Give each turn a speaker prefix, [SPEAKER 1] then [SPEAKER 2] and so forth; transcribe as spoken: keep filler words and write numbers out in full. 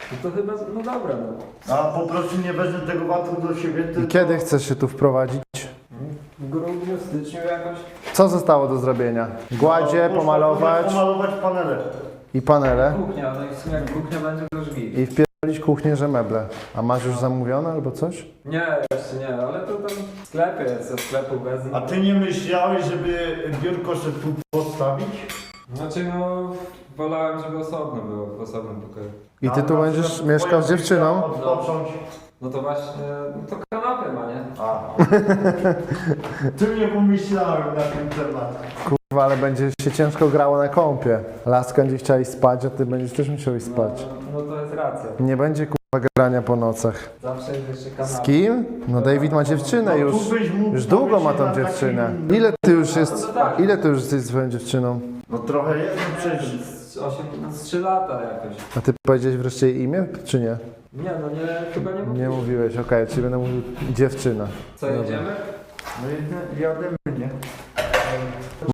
[SPEAKER 1] No to chyba, no dobra, no.
[SPEAKER 2] A po prostu nie wezmę tego watu do siebie,
[SPEAKER 3] I
[SPEAKER 2] tylko...
[SPEAKER 3] kiedy chcesz się tu wprowadzić?
[SPEAKER 1] W grudniu, styczniu jakoś.
[SPEAKER 3] Co zostało do zrobienia? Gładzie,
[SPEAKER 2] No,
[SPEAKER 3] pomalować
[SPEAKER 2] Pomalować panele.
[SPEAKER 3] i panele.
[SPEAKER 1] Kuchnia, no i w sumie jak kuchnia będzie, to już git.
[SPEAKER 3] I wpierdolić kuchnię, że meble. A masz już zamówione albo coś?
[SPEAKER 1] Nie, jeszcze nie, ale to tam w sklepie jest, ze sklepu wezmę.
[SPEAKER 2] A ty nie myślałeś, żeby biurko sobie tu postawić?
[SPEAKER 1] Znaczy no, wolałem, żeby osobno było, w osobnym pokoju.
[SPEAKER 3] I ty
[SPEAKER 2] A
[SPEAKER 3] tu
[SPEAKER 2] na
[SPEAKER 3] będziesz
[SPEAKER 2] przykład
[SPEAKER 3] mieszkał z
[SPEAKER 2] twoja
[SPEAKER 3] dziewczyną?
[SPEAKER 2] Odpocząć.
[SPEAKER 1] No to właśnie, no to kanapę ma, nie?
[SPEAKER 2] A. Ty nie pomyślałem na ten temat.
[SPEAKER 3] Kurwa, ale będzie się ciężko grało na kąpie. Laska będzie chciała iść spać, a ty będziesz też musiał iść spać.
[SPEAKER 1] No, no to jest racja.
[SPEAKER 3] Nie będzie kurwa grania po nocach.
[SPEAKER 1] Zawsze jest jeszcze kanapa.
[SPEAKER 3] Z kim? No David ma dziewczynę już.
[SPEAKER 2] tu byś mógł
[SPEAKER 3] Już długo ma
[SPEAKER 2] powiedzieć
[SPEAKER 3] tą
[SPEAKER 2] na
[SPEAKER 3] dziewczynę.
[SPEAKER 2] takim-
[SPEAKER 3] Ile ty już jest,
[SPEAKER 1] No to tak.
[SPEAKER 3] ile ty już jesteś swoją dziewczyną?
[SPEAKER 2] No trochę jest, no przecież...
[SPEAKER 1] Z osiem, no z trzy lata jakoś.
[SPEAKER 3] A ty powiedziałeś wreszcie jej imię, czy nie?
[SPEAKER 1] Nie, no nie, chyba nie mówię.
[SPEAKER 3] Nie mówiłeś, okej, czyli będę mówił dziewczyna.
[SPEAKER 1] Co, jedziemy?
[SPEAKER 2] No jedne- jademy, nie?